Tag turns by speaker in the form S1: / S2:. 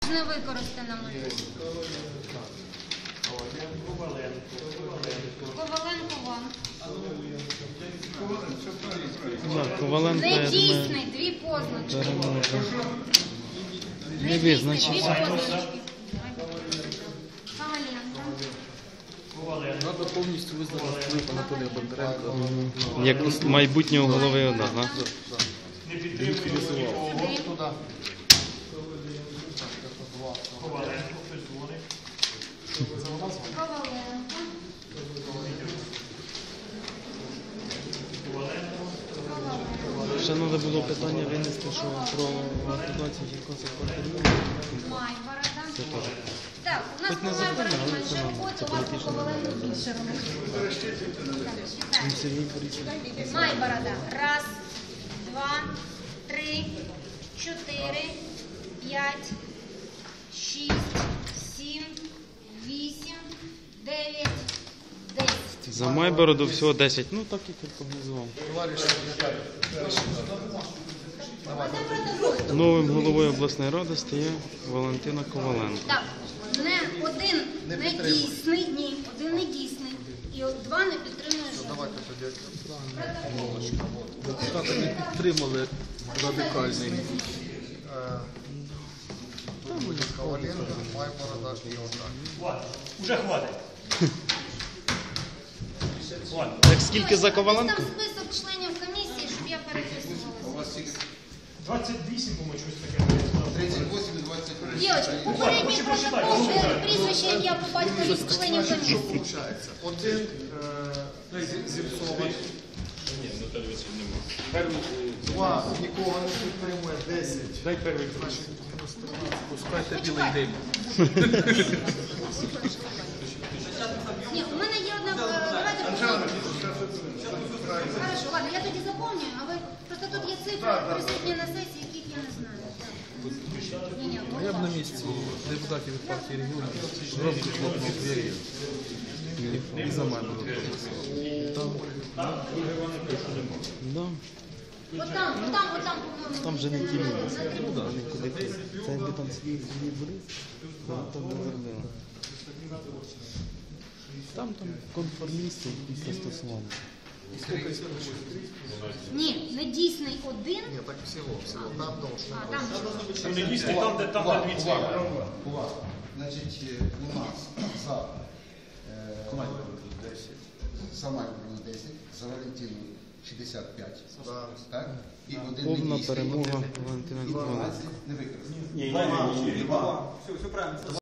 S1: З невикористаними. Коваленко Ван.
S2: Коваленко, я думаю,
S1: Недійсний, дві позначки.
S2: не визначився.
S1: Коваленко.
S3: Треба повністю визнати вплив Анатолія Бондаренка.
S2: Як майбутнього голови ОДА, так?
S3: Ліквідизував.
S2: Ще треба було питання винести, що про ліквідацію жінкоцих квартирів.
S1: Майборода.
S2: Це теж.
S1: Так, у нас
S2: Хоч не
S1: по
S2: законно,
S1: Майбороду
S2: але
S1: менше
S2: це
S1: роботи, у вас по Коваленку більше роботи.
S2: Сергій Борисович.
S1: Майборода. Раз, два, три, 4, 5, 6, 7, 8, 9, 10.
S2: За Майбороду всього 10. Ну так і прогнозував. Новим головою обласної ради стає Валентина Коваленко.
S1: Так, один недійсний, один недійсний. І два не підтримує жодного.
S3: Депутати не підтримали радикальний.
S4: Коваленко, Майборода і Отак.
S5: Уже хватить.
S2: Так скільки за Коваленко?
S1: Там список членів комісії, щоб я переписувалася.
S5: 28, по-моєму, щось таке.
S4: 38 і 23.
S1: Дівчатки, попередній протокол, де прізвище, як я по батькові з членів комісії.
S4: Получається. Один Зіпсова. Два нікого не підтримує, 10.
S5: Дай перший.
S3: Пускайте білий дим.
S1: Ні, у мене є одна, давайте Хорошо, ладно, я тоді заповнюю, а ви, просто тут є цифри, присутні на сесії, яких я не знаю. Ні,
S3: А я б на місці депутатів від партії регіонів громко хлопнув двері і за мене голосував.
S2: Да.
S1: Отам, по-моєму.
S2: Там же не ті люди. Це якби там Сергій Борис, то там не зробили. Там конформісти після стосування.
S1: Ні, недійсний один.
S4: Ні, так всього. Там довше.
S1: А, там що?
S5: Там не дійсно, там, де дві цифри.
S4: Увага. Значить, у нас за Майбороду 10, за Валентину 65. Так? І один
S2: Повна
S4: недійсний,
S2: перемога
S4: один
S2: Валентина
S4: і
S2: Коваленко.
S4: 12 не використано.